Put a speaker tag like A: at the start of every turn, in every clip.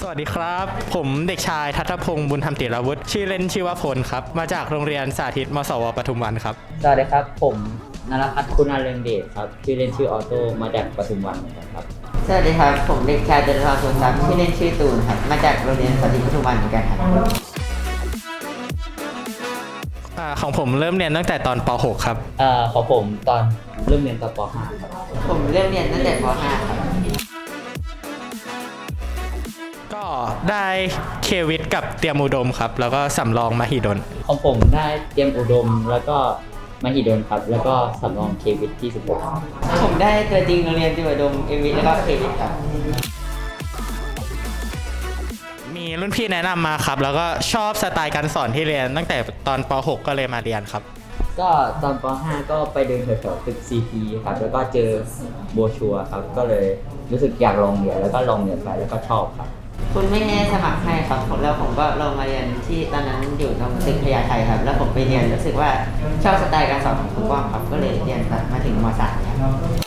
A: สวัสดีครับผมเด็กชายทัตพงศ์บุญธรรมติรวุฒิชื่อเล่นชื่อว่าพลครับมาจากโรงเรียนสาธิตมศวปทุมวันครับ
B: สวัสดีครับผมนรพัฒน์คุณาเรืองเดชครับชื่อเล่นชื่อออโต้มาจากปทุมวันครับ
C: สวัสดีครับผมเด็กชายจตุรพรทรัพย์ชื่อเล่นชื่อตูนครับมาจากโรงเรียนสาธิตปทุมวันเหมือนกันครับ
A: ของผมเริ่มเรียนตั้งแต่ตอนป .6 ครับ
B: ของผมตอนเริ่มเรียนตอนป .5 ครับ
C: ผมเริ่มเรียนตั้งแต่ป .5 ครับ
A: ก็ได้เควิทกับเตรียมอุดมครับแล้วก็สำรองมหิดล
B: ของผมได้เตรียมอุดมแล้วก็มหิดลครับแล้วก็สำรองเควิทที่16ครับ
C: ผมได้ตัวจริงโรงเรียนจิวดมเอวิทแล้วก็เควิทครับ
A: มีรุ่นพี่แนะนำมาครับแล้วก็ชอบสไตล์การสอนที่เรียนตั้งแต่ตอนป .6 ก็เลยมาเรียนครับ
B: ก็ตอนป .5 ก็ไปเดินแถวๆตึก CP ครับแล้วก็เจอโบชัวครับก็เลยรู้สึกอยากลองเรียนแล้วก็ลองเรียนไปแล้วก็ชอบครับ
C: คุณไม่ได้สมัครให้ครับแล้วผมก็ลงมาเรียนที่ตอนนั้นอยู่ตรงตึกพญาไทครับแล้วผมไปเรียนรู้สึกว่าชอบสไตล์การสอนของครูป้อมครับก็เลยเรียนมาถึงม .3 ครับ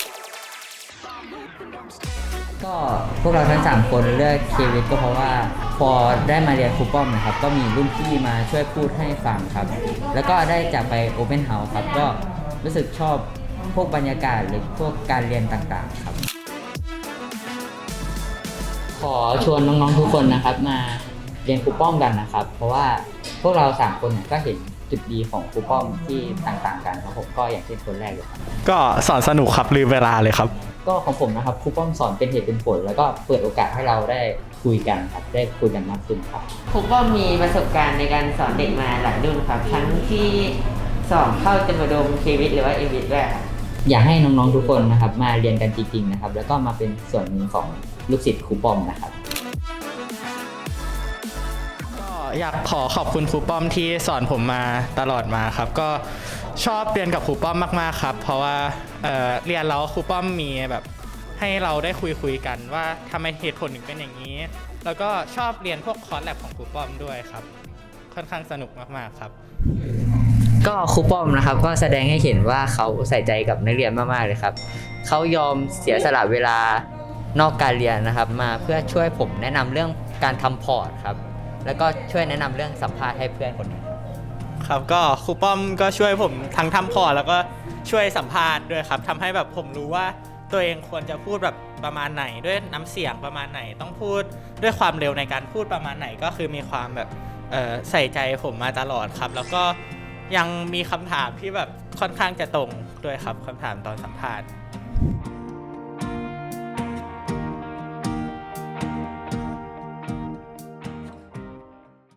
B: ก็พวกเราทั้ง3คนเลือกเควิทก็เพราะว่าพอได้มาเรียนครูป้อมนะครับก็มีรุ่นพี่มาช่วยพูดให้ฟังครับแล้วก็ได้จากไปโอเพ่นเฮาส์ครับก็รู้สึกชอบพวกบรรยากาศหรือพวกการเรียนต่างๆครับขอชวนน้องๆทุกคนนะครับมาเรียนครูป้อมกันนะครับเพราะว่าพวกเรา3คนก็เห็นจุดดีของครูป้อมที่ต่างๆกันครับผมก็อย่างเช่นคนแรกเลยครับ
A: ก็สอนสนุกครับลืมเวลาเลยครับ
B: ก็ของผมนะครับครูป้อมสอนเป็นเหตุเป็นผลแล้วก็เปิดโอกาสให้เราได้คุยกันครับได้คุยกันมากขึ้นครับ
C: ครูป้อมมีประสบการณ์ในการสอนเด็กมาหลายรุ่นครับทั้งที่สอบเข้าจิวดมเควิทหรือว่าเอวิทด้วยครับ
B: อยากให้น้องๆทุกคนนะครับมาเรียนกันจริงๆนะครับแล้วก็มาเป็นส่วนหนึ่งของลูกศิษย์ครูป้อมนะครับ
A: ก็อยากขอบคุณครูป้อมที่สอนผมมาตลอดมาครับก็ชอบเรียนกับครูป้อมมากๆครับเพราะว่าเรียนแล้วครูป้อมมีแบบให้เราได้คุยกันว่าทำไมเหตุผลถึงเป็นอย่างนี้แล้วก็ชอบเรียนพวกคอร์สแลบของครูป้อมด้วยครับค่อนข้างสนุกมากๆครับ
B: ก็ครูป้อมนะครับก็แสดงให้เห็นว่าเขาใส่ใจกับนักเรียนมากๆเลยครับเขายอมเสียสละเวลานอกการเรียนนะครับมาเพื่อช่วยผมแนะนำเรื่องการทำพอร์ตครับแล้วก็ช่วยแนะนำเรื่องสัมภาษณ์ให้เพื่อนคนหนึ่ง
A: ครับก็ครูป้อมก็ช่วยผมทั้งทำพอร์ตแล้วก็ช่วยสัมภาษณ์ด้วยครับทำให้แบบผมรู้ว่าตัวเองควรจะพูดแบบประมาณไหนด้วยน้ำเสียงประมาณไหนต้องพูดด้วยความเร็วในการพูดประมาณไหนก็คือมีความแบบใส่ใจผมมาตลอดครับแล้วก็ยังมีคำถามที่แบบค่อนข้างจะตรงด้วยครับคำถามตอนสัมภาษณ์